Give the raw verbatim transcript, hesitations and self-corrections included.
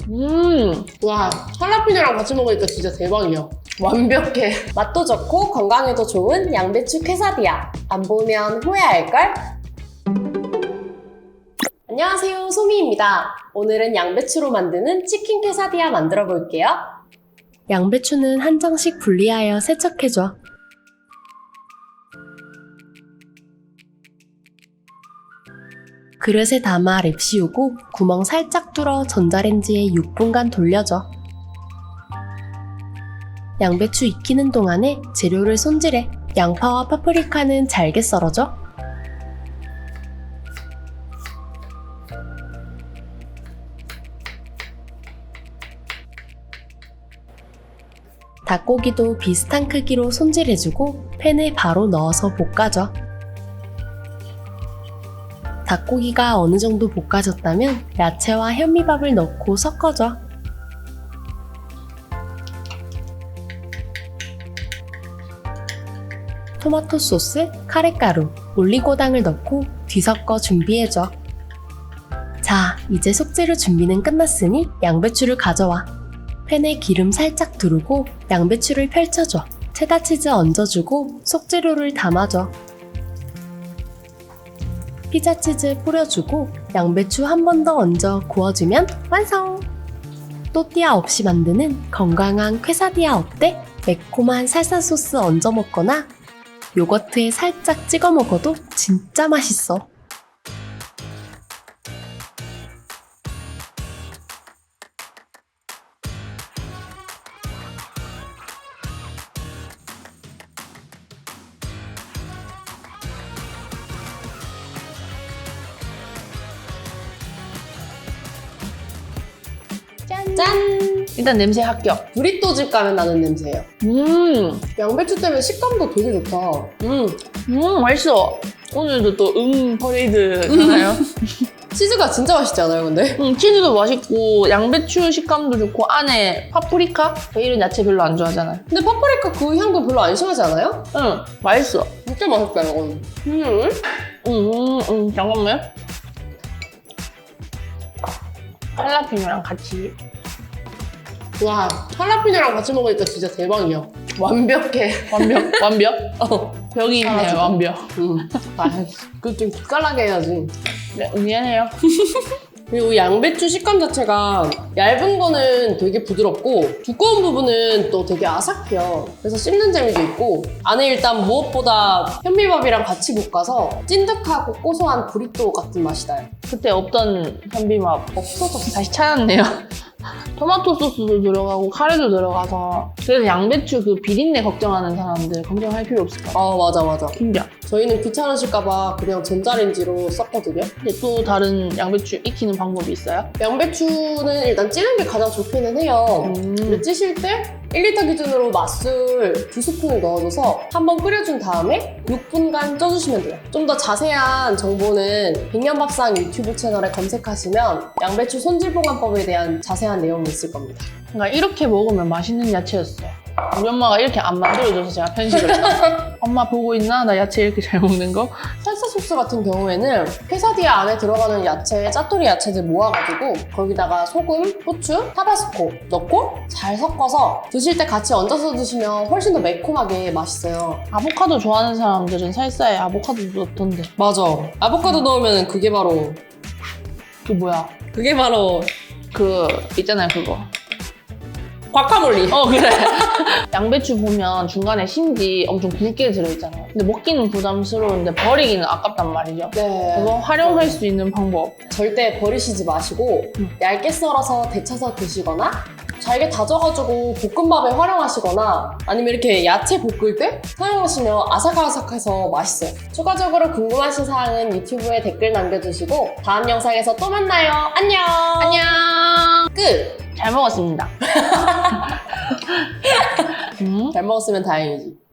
음, 와, 할라피뇨랑 같이 먹으니까 진짜 대박이야. 완벽해. 맛도 좋고 건강에도 좋은 양배추 퀘사디야. 안 보면 후회할걸? 안녕하세요, 소미입니다. 오늘은 양배추로 만드는 치킨 퀘사디야 만들어 볼게요. 양배추는 한 장씩 분리하여 세척해줘. 그릇에 담아 랩 씌우고 구멍 살짝 뚫어 전자레인지에 육 분간 돌려줘. 양배추 익히는 동안에 재료를 손질해. 양파와 파프리카는 잘게 썰어줘. 닭고기도 비슷한 크기로 손질해주고 팬에 바로 넣어서 볶아줘. 닭고기가 어느 정도 볶아졌다면 야채와 현미밥을 넣고 섞어줘. 토마토 소스, 카레가루, 올리고당을 넣고 뒤섞어 준비해줘. 자, 이제 속재료 준비는 끝났으니 양배추를 가져와. 팬에 기름 살짝 두르고 양배추를 펼쳐줘. 체다치즈 얹어주고 속재료를 담아줘. 피자치즈 뿌려주고 양배추 한 번 더 얹어 구워주면 완성! 또띠아 없이 만드는 건강한 퀘사디야 어때? 매콤한 살사 소스 얹어 먹거나 요거트에 살짝 찍어 먹어도 진짜 맛있어. 짠! 짠! 일단 냄새 합격. 브리또 집 가면 나는 냄새예요. 음, 양배추 때문에 식감도 되게 좋다. 음, 음, 맛있어. 오늘도 또 음 퍼레이드 하나요? 치즈가 진짜 맛있지 않아요, 근데? 음, 치즈도 맛있고 양배추 식감도 좋고 안에 파프리카? 저 이런 야채 별로 안 좋아하잖아요. 근데 파프리카 그 향도 별로 안 심하지 않아요? 응, 맛있어. 진짜 맛있다, 이건. 음. 음, 음, 음, 잠깐만요. 할라피뇨랑 같이. 와, 할라피뇨랑 같이 먹으니까 진짜 대박이야. 완벽해. 완벽, 완벽? 어. 벽이 있네요, 잘하죠. 완벽. 음. 아, 그거 좀 기깔나게 해야지. 네, 미안해요. 그리고 이 양배추 식감 자체가 얇은 거는 되게 부드럽고 두꺼운 부분은 또 되게 아삭해요. 그래서 씹는 재미도 있고 안에 일단 무엇보다 현미밥이랑 같이 볶아서 찐득하고 고소한 브리또 같은 맛이 나요. 그때 없던 현비맛 없어서 다시 찾았네요. 토마토 소스도 들어가고 카레도 들어가서 그래서 양배추 그 비린내 걱정하는 사람들 걱정할 필요 없을 것 같아요. 아, 맞아 맞아. 진짜. 저희는 귀찮으실까봐 그냥 전자레인지로 썼거든요. 근데 또 다른 양배추 익히는 방법이 있어요? 양배추는 일단 찌는 게 가장 좋기는 해요. 음. 근데 찌실 때 일 리터 기준으로 맛술 두 스푼을 넣어줘서 한번 끓여준 다음에 육 분간 쪄주시면 돼요. 좀 더 자세한 정보는 백년밥상 유튜브 채널에 검색하시면 양배추 손질보관법에 대한 자세한 내용이 있을 겁니다. 그러니까 이렇게 먹으면 맛있는 야채였어요. 우리 엄마가 이렇게 안 만들어줘서 제가 편식을 했어요. 엄마 보고 있나? 나 야채 이렇게 잘 먹는 거? 살사 소스 같은 경우에는 퀘사디아 안에 들어가는 야채, 짜투리 야채들 모아가지고 거기다가 소금, 후추, 타바스코 넣고 잘 섞어서 드실 때 같이 얹어서 드시면 훨씬 더 매콤하게 맛있어요. 아보카도 좋아하는 사람들은 살사에 아보카도도 넣던데. 맞아. 아보카도 넣으면 그게 바로 그 뭐야? 그게 바로 그 있잖아요 그거. 과카몰리. 어 그래. 양배추 보면 중간에 심지 엄청 굵게 들어있잖아요. 근데 먹기는 부담스러운데 버리기는 아깝단 말이죠. 네. 그거 활용할 수 있는 방법. 절대 버리시지 마시고 음. 얇게 썰어서 데쳐서 드시거나 잘게 다져가지고 볶음밥에 활용하시거나 아니면 이렇게 야채 볶을 때 사용하시면 아삭아삭해서 맛있어요. 추가적으로 궁금하신 사항은 유튜브에 댓글 남겨주시고 다음 영상에서 또 만나요. 안녕. 안녕. 끝. 잘 먹었습니다. 음? 잘 먹었으면 다행이지.